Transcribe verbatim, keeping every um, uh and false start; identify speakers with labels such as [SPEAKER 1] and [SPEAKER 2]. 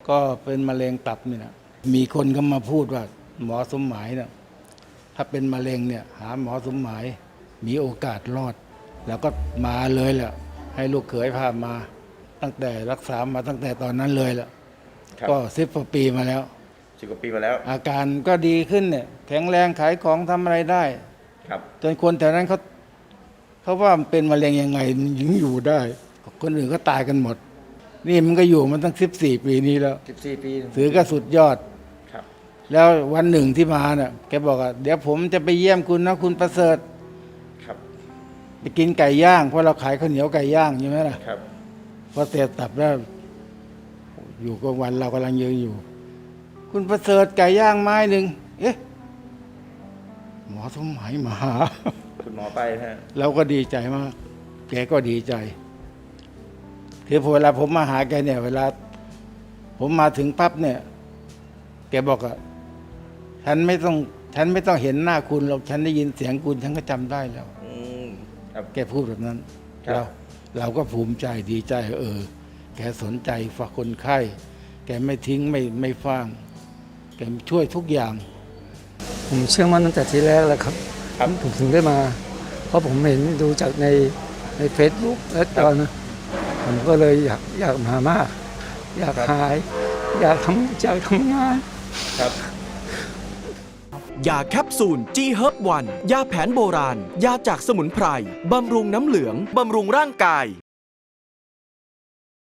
[SPEAKER 1] ก็เป็นมะเร็งตับนี่นะมีคนก็มาพูดว่าหมอสมหมายเนี่ยถ้าเป็นมะเร็งเนี่ยหาหมอสมหมายมีโอกาสรอด แล้วก็มาเลยแหละให้ลูกเขยพามาตั้งแต่รักษามาตั้งแต่ตอนนั้นเลยแหละก็สิบกว่าปีมาแล้ว
[SPEAKER 2] สิบกว่าปีมาแล้ว
[SPEAKER 1] อาการก็ดีขึ้นเนี่ยแข็งแรงขายของทำอะไรได้
[SPEAKER 2] ครับ
[SPEAKER 1] จนคนแถวนั้นเขาเขาว่ามันเป็นมะเร็งยังไงยังอยู่ได้คนอื่นก็ตายกันหมดนี่มันก็อยู่มาตั้งสิบสี่ปีนี้แล้ว
[SPEAKER 2] สิบสี่ปี
[SPEAKER 1] ถือก็สุดยอด
[SPEAKER 2] ครับ
[SPEAKER 1] แล้ววันหนึ่งที่มาเนี่ยแกบอกว่าเดี๋ยวผมจะไปเยี่ยมคุณนะคุณประเสริฐ
[SPEAKER 2] ครับ
[SPEAKER 1] ไปกินไก่ย่างเพราะเราขายข้าวเหนียวไก่ย่างใช่ไหมล่ะ
[SPEAKER 2] ครับ
[SPEAKER 1] พอเสร็จตับแล้วอยู่กลางวันเรากำลังยืนอยู่คุณประเสริฐไก่ย่างไม้หนึ่งเอ๊ะหมอสมหมายมาหา
[SPEAKER 2] คุณหมอไปฮะ
[SPEAKER 1] เราก็ดีใจมากแกก็ดีใจคือพอเวลาผมมาหาแกเนี่ย เวลาผมมาถึงปั๊บเนี่ย แกบอกอะฉันไม่ต้องฉันไม่ต้องเห็นหน้าคุณหรอกฉันได้ยินเสียงคุณฉันก็จำได้แล้ว
[SPEAKER 2] อืมครับ
[SPEAKER 1] แกพูดแบบนั้น
[SPEAKER 2] ครับ
[SPEAKER 1] เราเราก็ภูมิใจดีใจเออแกสนใจฝากคนไข้แกไม่ทิ้งไม่ไม่ฟ้างแกช่วยทุกอย่าง
[SPEAKER 3] ผมเชื่อมั่นตั้งแต่ทีแรกแล้วครับผมถึงได้มา เพราะผมเห็นดูจากในในเฟซบุ๊กและตอนนะผมก็เลยอยากอยากมามาก อยากหาย อยากทำอยากทำงาน
[SPEAKER 2] ครับ
[SPEAKER 4] ยาแคปซูล จี เฮิร์บ วัน ยาแผนโบราณ ยาจากสมุนไพร บำรุงน้ำเหลือง บำรุงร่างกาย